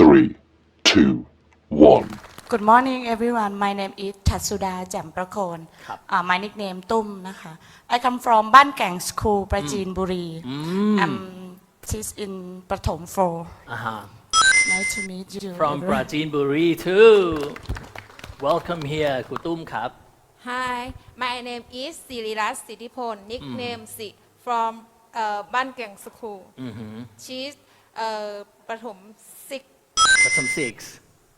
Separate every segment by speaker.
Speaker 1: Three, two, one.
Speaker 2: Good morning everyone. My name is Tatsuda แจ่มประโคน My nickname ตุ้มนะคะ I come from บ้านแก่ง School ปราจีนบุรี I'm teach in ประถม 4 Nice to meet you
Speaker 3: From Prajinburi too Welcome here ครูตุ้มครับ
Speaker 4: Hi my name is Sirirat Siddhipol nickname Si from บ้านแก่ง School she's ประถม 6
Speaker 3: ประถม 6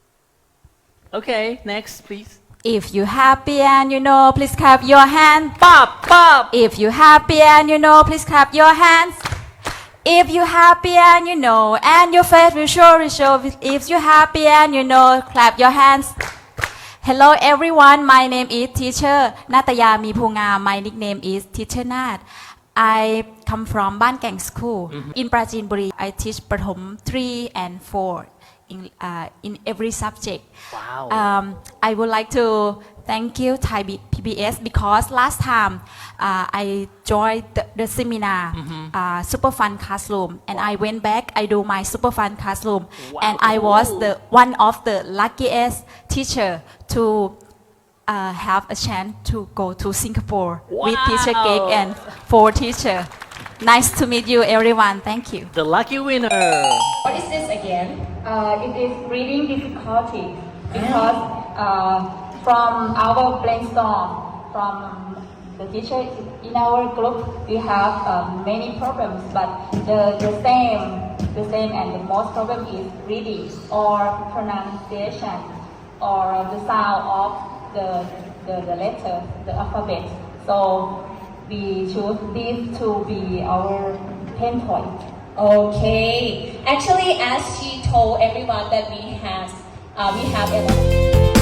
Speaker 3: Okay next please
Speaker 5: If you happy and you know, please clap your hands.
Speaker 3: Pop pop
Speaker 5: If you happy and you know, please clap your hands. If you happy and you know, and your face will surely show. If you happy and you know, clap your hands. Hello everyone, my name is Teacher Nataya Mipunga. My nickname is Teacher Nat. I come from Ban Keng School in Prajinburi. I teach Prathom 3 and 4 in every subject.
Speaker 3: Wow.
Speaker 5: I would like to thank you Thai PBS because last time I joined the seminar Super Fun Classroom and I went back. I do my Super Fun Classroom and I was the one of the luckiest teacher to have a chance to go to Singapore with Teacher Cake and 4 teacher. Nice to meet you everyone. Thank you.
Speaker 3: The lucky winner
Speaker 5: What is this again? It is reading difficulty because from our brainstorm, from the teacher in our group, we have many problems, but the same and the most problem is reading or pronunciation or the sound of the letter, the alphabet. So we choose this to be our pain point.
Speaker 6: Okay. Actually, as she told everyone that we have a